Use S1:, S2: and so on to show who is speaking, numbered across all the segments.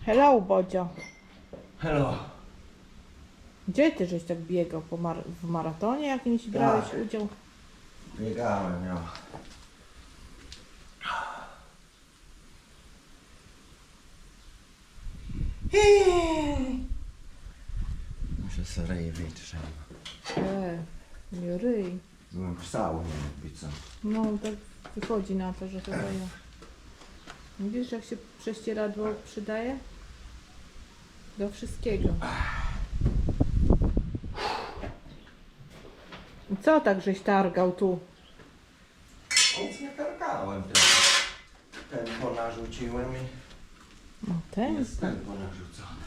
S1: Hello, Bodzio.
S2: Hello.
S1: Gdzie ty żeś tak biegał? W maratonie jakimś brałeś udział?
S2: Biegałem, ja. Muszę sobie ryj wytrzeć.
S1: Nie ryj.
S2: Byłem w saunie, jakby co.
S1: No, tak wychodzi na to, że chyba ja. Widzisz, jak się prześcieradło przydaje? Do wszystkiego. I co tak żeś targał tu?
S2: Nic nie targałem. Tempo narzuciłem i
S1: No ten?
S2: jest tempo narzucone.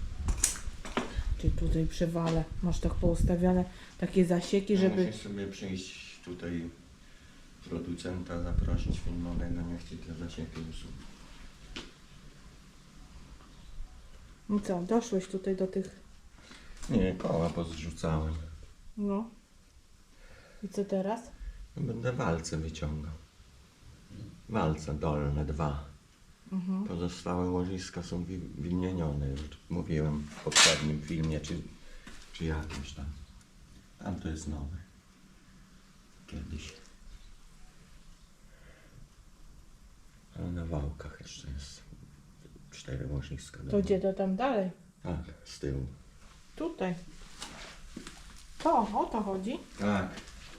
S1: Ty tutaj przewalę. Masz tak poustawione takie zasieki, żeby...
S2: Musisz sobie przyjść tutaj producenta zaprosić filmowego, niech ci te zasieki usuną.
S1: No co, doszłeś tutaj do tych...
S2: Nie, koła pozrzucałem.
S1: No. I co teraz?
S2: Będę walce wyciągał. Walce dolne 2. Pozostałe łożyska są wymienione, już mówiłem w poprzednim filmie, czy jakimś tam. Tam to jest nowe. Kiedyś. Ale na wałkach jeszcze jest 4 łożyska.
S1: To gdzie to tam dalej?
S2: Tak, z tyłu.
S1: Tutaj. To, o to chodzi?
S2: Tak.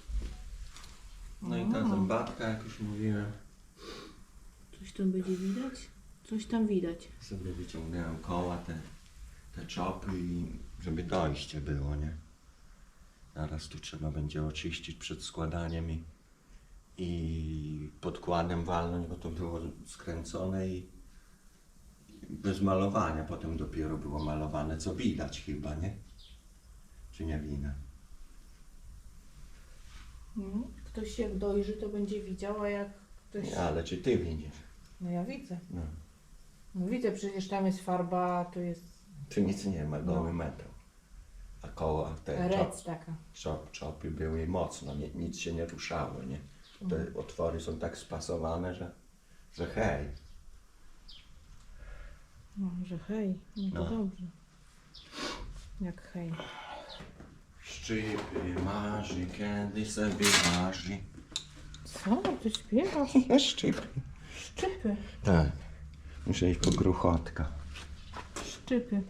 S2: No i ta zębatka, jak już mówiłem,
S1: Coś tam będzie widać? Coś tam widać.
S2: sobie wyciągnąłem koła, te czopy i żeby dojście było, nie? Zaraz tu trzeba będzie oczyścić przed składaniem i podkładem walnąć, bo to było skręcone i bez malowania. Potem dopiero było malowane, co widać chyba, nie? Czy nie widać?
S1: Ktoś jak dojrzy, to będzie widział, a jak ktoś...
S2: Nie, ale czy ty widzisz?
S1: No ja widzę.
S2: No.
S1: No widzę, przecież tam jest farba, tu jest
S2: Tu nic nie ma, goły metal. A koła te
S1: rec taka.
S2: czopy były mocno, nic się nie ruszało, nie? Te otwory są tak spasowane, że hej.
S1: No, że hej, no to
S2: No.
S1: dobrze. Jak hej.
S2: Szczypy marzy, kiedy sobie marzy.
S1: Co? Ty śpiewasz?
S2: Szczypy.
S1: Szczypy.
S2: Tak. Muszę iść po gruchotka.
S1: Szczypy.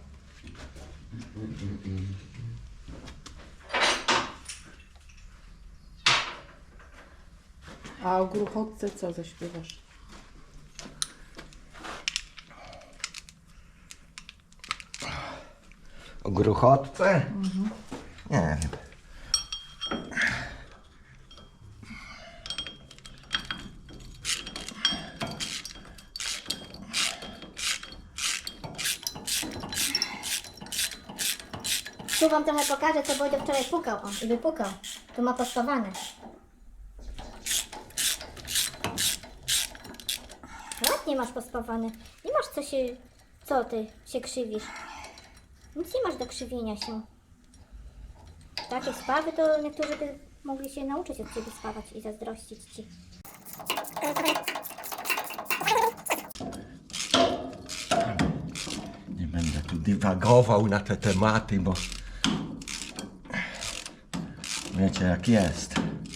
S1: A o gruchotce co zaśpiewasz?
S2: O gruchotce? Nie wiem.
S3: Tu wam trochę pokażę, co Bodzio wczoraj pukał, o, i wypukał. Tu ma pospawane. Ładnie masz pospawane. Nie masz co się... Co ty się krzywisz? Nic nie masz do krzywienia się. Takie spawy to niektórzy by mogli się nauczyć od ciebie spawać i zazdrościć ci.
S2: Nie będę tu dywagował na te tematy, bo wiecie jak jest.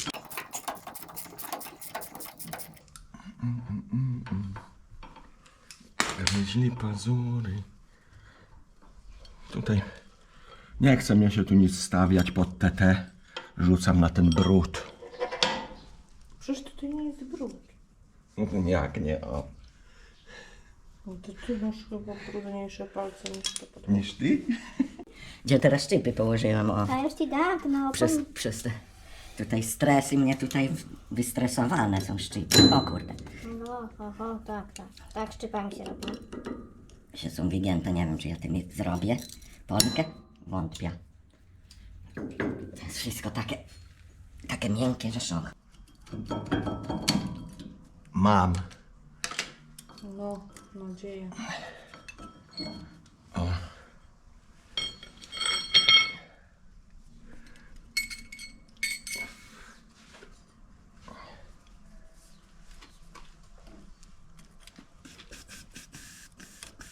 S2: Gryźli pazury. Tutaj nie chce mnie się tu nic stawiać pod TT. Rzucam na ten brud.
S1: Przecież tutaj nie jest brud.
S2: Jak nie, o.
S1: No to ty masz chyba brudniejsze palce niż to pod...
S2: Niż ty?
S4: Gdzie teraz szczypy położyłam, o.
S3: A już ci dam, to no...
S4: Przez te tutaj stresy mnie tutaj wystresowane są szczypy. O kurde.
S3: No, tak, tak. Tak szczypami się robi.
S4: Się są wygięte, nie wiem czy ja tym zrobię. Polkę? Wątpię. To jest wszystko takie miękkie, że szok.
S2: Mam.
S1: No, nadzieję.
S2: O.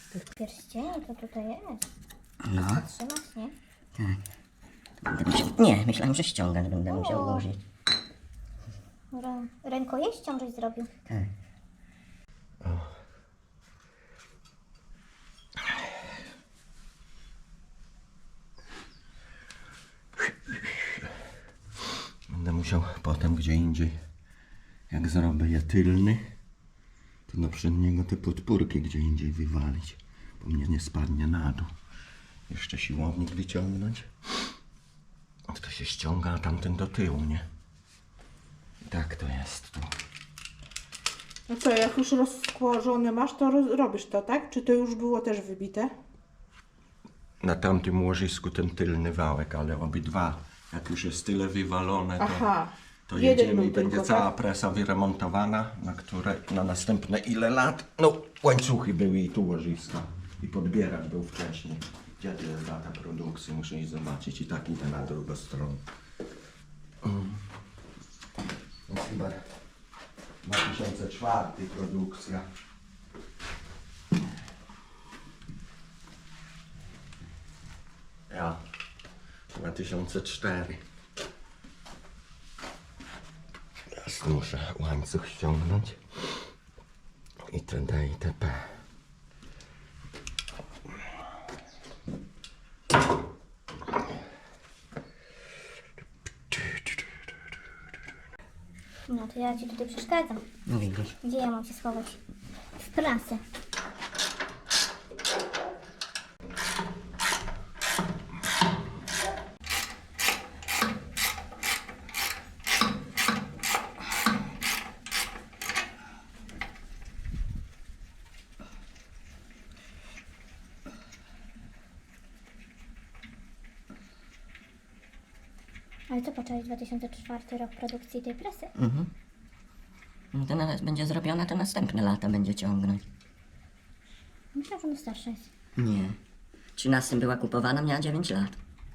S3: Pierścienie to tutaj jest.
S4: No,
S3: Trzymasz, nie?
S4: nie, myślałem, że ściągać będę musiał ułożyć.
S3: Rękojeścią żeś zrobił.
S4: Tak.
S2: Będę musiał potem gdzie indziej, jak zrobię je tylny, to do przedniego te podpórki gdzie indziej wywalić, bo mnie nie spadnie na dół. Jeszcze siłownik wyciągnąć. To się ściąga, a tamten do tyłu, nie? I tak to jest tu.
S1: No co, jak już rozkłożone masz, to robisz to, tak? Czy to już było też wybite?
S2: Na tamtym łożisku ten tylny wałek, ale obydwa, jak już jest tyle wywalone, to,
S1: Aha.
S2: to
S1: Jeden
S2: jedziemy i
S1: był
S2: będzie
S1: tylko,
S2: cała
S1: tak?
S2: presa wyremontowana, na następne ile lat. No, łańcuchy były i tu łożyska. I podbieracz był wcześniej. Gdzie to jest data produkcji? Muszę iść zobaczyć. I tak idę na drugą stronę. To jest chyba 2004 produkcja. Ja. 2004. Teraz muszę łańcuch ściągnąć. Itd. itp.
S3: No to ja ci tutaj przeszkadzam.
S4: No widzisz.
S3: Gdzie ja mam się schować? W prasę. Ale co poczęłeś 2004 rok produkcji tej presy?
S4: No to będzie zrobiona, to następne lata będzie ciągnąć.
S3: Myślałam, że ona starsza jest.
S4: Nie. W 13 była kupowana, miała 9 lat.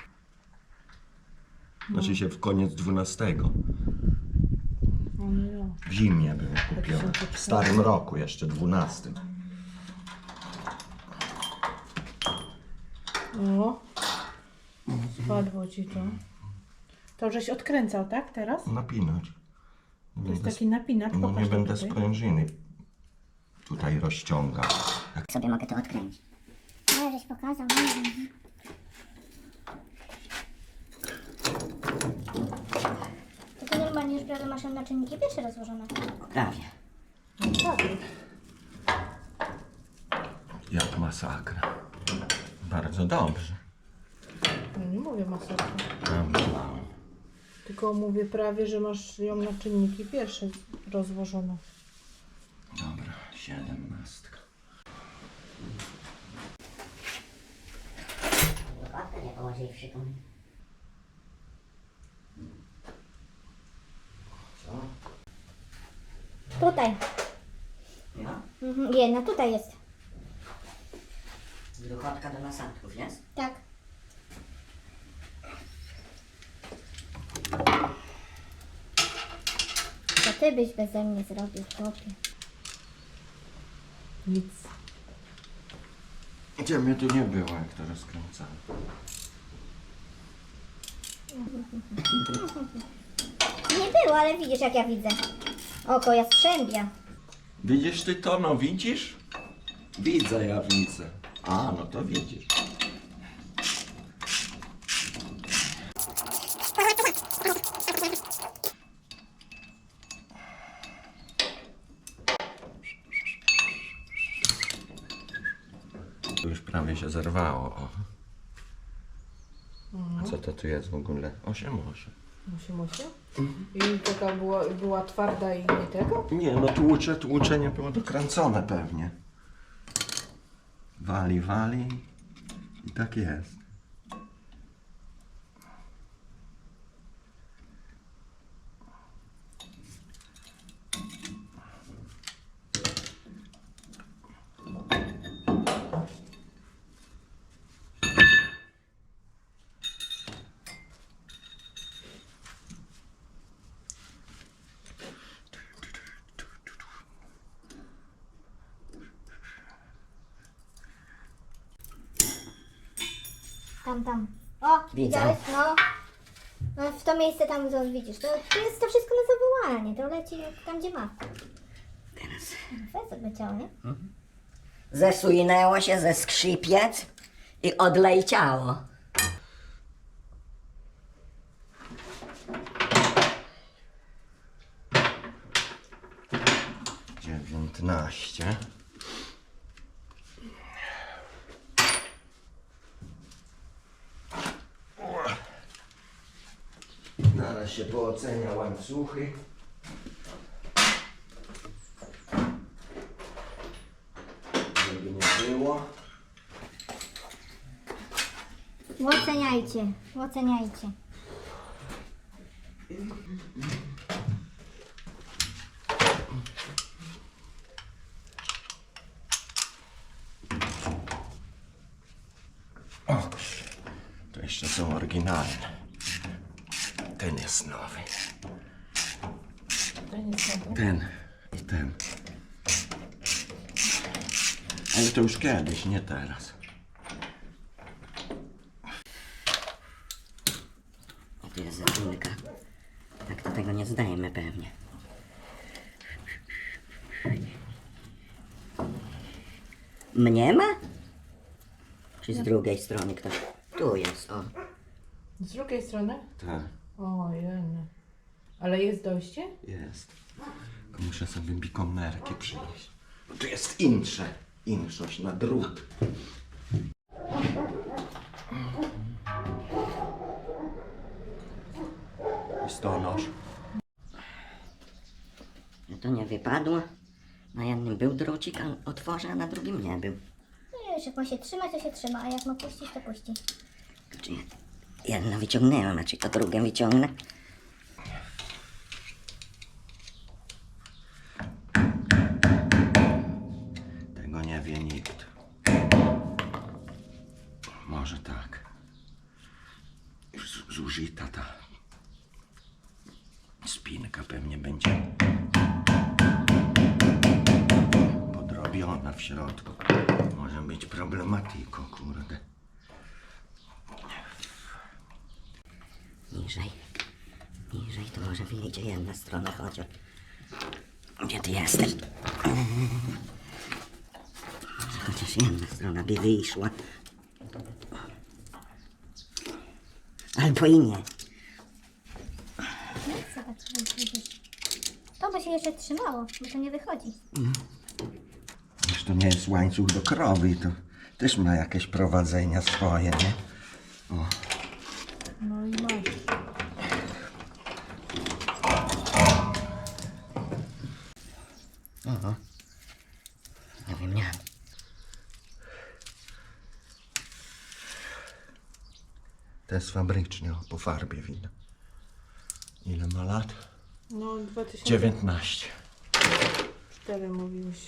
S2: Znaczy się w koniec 12.
S1: No.
S2: W zimie było kupione. W starym roku jeszcze 12.
S1: O. Spadło ci to. To żeś odkręcał, tak? Teraz?
S2: Napinać.
S1: To jest taki napinacz.
S2: No
S1: Pokaż
S2: nie
S1: to
S2: będę
S1: tutaj.
S2: sprężyny tutaj rozciągał.
S4: Sobie mogę to odkręcić.
S3: Ale żeś pokazał. To ty normalnie już prawie masz na czynniki pierwsze rozłożone.
S4: Prawie.
S1: No, tak.
S2: Jak masakra. Bardzo dobrze.
S1: No, nie mówię masakra.
S2: Dobrze.
S1: Tylko mówię prawie, że masz ją na czynniki pierwsze rozłożone.
S2: Dobra, 17.
S4: Dokładnie nie położywszy tu.
S2: Co?
S3: Tutaj.
S4: Ja?
S3: Jedna tutaj jest.
S4: Gruchotka do nasadków jest?
S3: Tak. To ty byś beze mnie zrobił, chłopie.
S1: Nic.
S2: Gdzie mnie tu nie było, jak to rozkręcałem.
S3: Nie było, ale widzisz jak ja widzę. Oko jastrzębia.
S2: Widzisz ty to, no widzisz? Widzę, ja widzę. A, no to widzisz. Tu już prawie się zerwało. O. A co to tu jest w ogóle? 8.
S1: Musi. I taka była twarda i nie tego?
S2: Nie, no tłucze nie było dokręcone pewnie. Wali i tak jest.
S3: Tam. O,
S4: Widzę.
S3: widziałeś? No. No, w to miejsce tam, co widzisz, to jest to wszystko na zawołanie, to leci tam, gdzie ma.
S4: Teraz
S3: Fez leciało, nie?
S4: zesłynęło się ze skrzypiec i odleciało.
S2: Dziewiętnaście. Zaraz się poocenia łańcuchy. Żeby nie było.
S3: Oceniajcie.
S2: O, to jeszcze są oryginalne. Ten jest nowy.
S1: Ten jest nowy.
S2: Ten i ten. Ale to już kiedyś, nie teraz.
S4: O, tu jest zapinka. Tak to tego nie zdajemy pewnie. Mnie ma? Czy z drugiej strony ktoś? Tu jest, o.
S1: Z drugiej strony?
S2: Tak,
S1: O, jeny. Ale jest dojście?
S2: jest. Tylko muszę sobie bikomerki przynieść. Bo tu jest inszość na drut. Listonosz.
S4: To nie wypadło. Na jednym był drucik, a otworzę, a na drugim nie był.
S3: No już jak ma się trzymać, to się trzyma, a jak ma puścić, to puści.
S4: Czy jedno wyciągnęłam, a czy to drugie wyciągnę?
S2: Tego nie wie nikt. Może tak. Już zużyta ta spinka pewnie będzie podrobiona w środku. Może być problematyką, kurde.
S4: Niżej. Niżej to może wyjdzie jedna strona chociaż. Gdzie ty jesteś? Może chociaż jedna strona by wyszła. Albo i nie.
S3: Zobacz, widzisz. To by się jeszcze trzymało, bo to nie wychodzi.
S2: Wiesz, to nie jest łańcuch do krowy, to też ma jakieś prowadzenia swoje, nie? O.
S1: No i masz.
S4: Oho. Nie wiem, nie.
S2: To jest fabryczny, o, po farbie widać. Ile ma lat?
S1: No 2004
S2: 19.
S1: mówiłeś.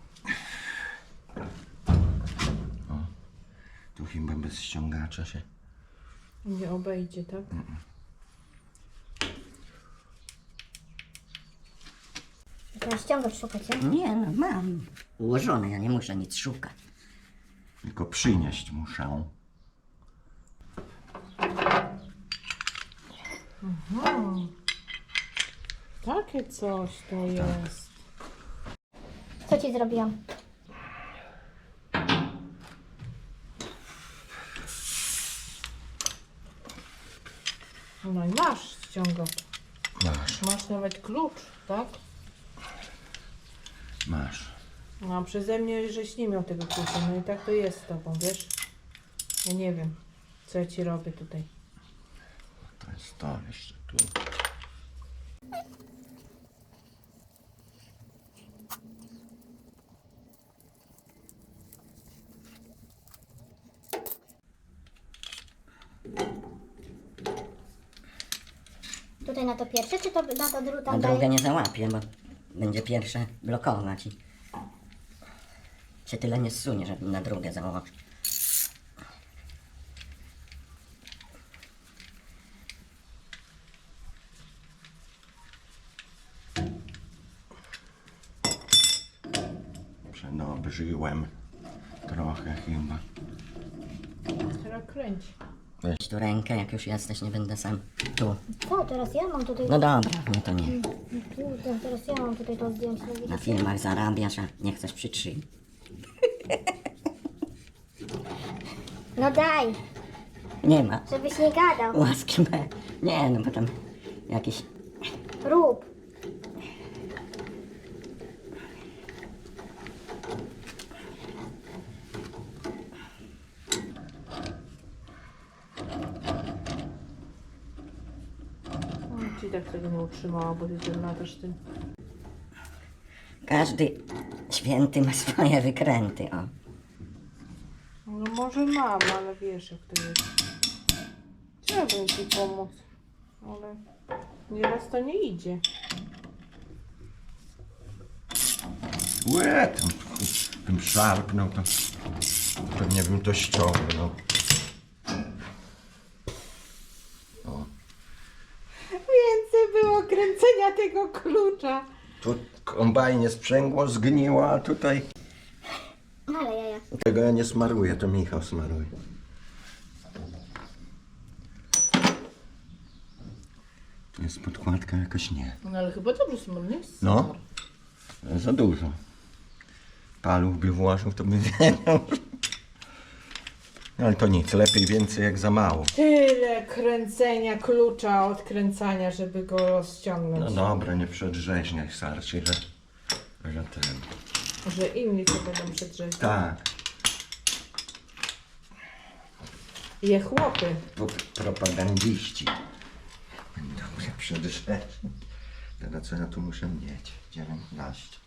S2: Tu chyba bez ściągacza się.
S1: Nie obejdzie, tak?
S3: Teraz ściągać szukać, nie?
S4: Nie, no mam. Ułożone, ja nie muszę nic szukać.
S2: Tylko przynieść muszę.
S1: Takie coś to jest.
S3: Co ci zrobiłam?
S1: No i masz ściągacz.
S2: Masz,
S1: Masz nawet klucz, tak?
S2: masz.
S1: No a przeze mnie, żeś nie miał tego klucza. No i tak to jest z tobą, wiesz? Ja nie wiem, co ja ci robię tutaj.
S2: To jest to jeszcze tu.
S3: Tutaj na to pierwsze, czy to na to drugie?
S4: A drugie nie załapię, bo będzie pierwsze blokować i się tyle nie zsunie, żeby na drugie założyć.
S2: Przenobrzyłem trochę chyba.
S1: Teraz kręć.
S4: Weź tu rękę, jak już jesteś, nie będę sam tu.
S3: Co, teraz ja mam tutaj...
S4: No dobra, no to nie.
S3: Kurde, teraz ja mam tutaj to zdjąć. no
S4: Na
S3: widzicie?
S4: filmach zarabiasz, a nie chcesz przytrzymać.
S3: No daj,
S4: Nie ma.
S3: żebyś nie gadał.
S4: Łaski me. Nie, no bo tam jakiś...
S3: Rób.
S1: Ci tak tego nie utrzymała, bo ty ten latasz tym.
S4: Każdy święty ma swoje wykręty, o.
S1: No może mam, ale wiesz jak to jest. Chciałabym ci pomóc, ale nieraz to nie idzie.
S2: Łe, tam bym szarpnął, to pewnie bym to ściągnął. O,
S1: Więcej było kręcenia tego klucza.
S2: tu kombajnie sprzęgło, zgniło, a tutaj
S3: Ale jaja.
S2: tego ja nie smaruję, to Michał smaruje. Tu jest podkładka, jakoś nie.
S1: No ale chyba dobrze smolny jest.
S2: No. Za dużo. Paluch by włożył, to by wiedział. Ale to nic, lepiej więcej jak za mało.
S1: Tyle kręcenia klucza, odkręcania, żeby go
S2: No
S1: rozciągnąć.
S2: dobra, nie przedrzeźniaj starczy, że ten.
S1: Że inni to będą przedrzeźniać.
S2: Tak,
S1: Je chłopy.
S2: propagandziści. Będą mnie przedrzeźniać. Teraz co ja tu muszę mieć? 19.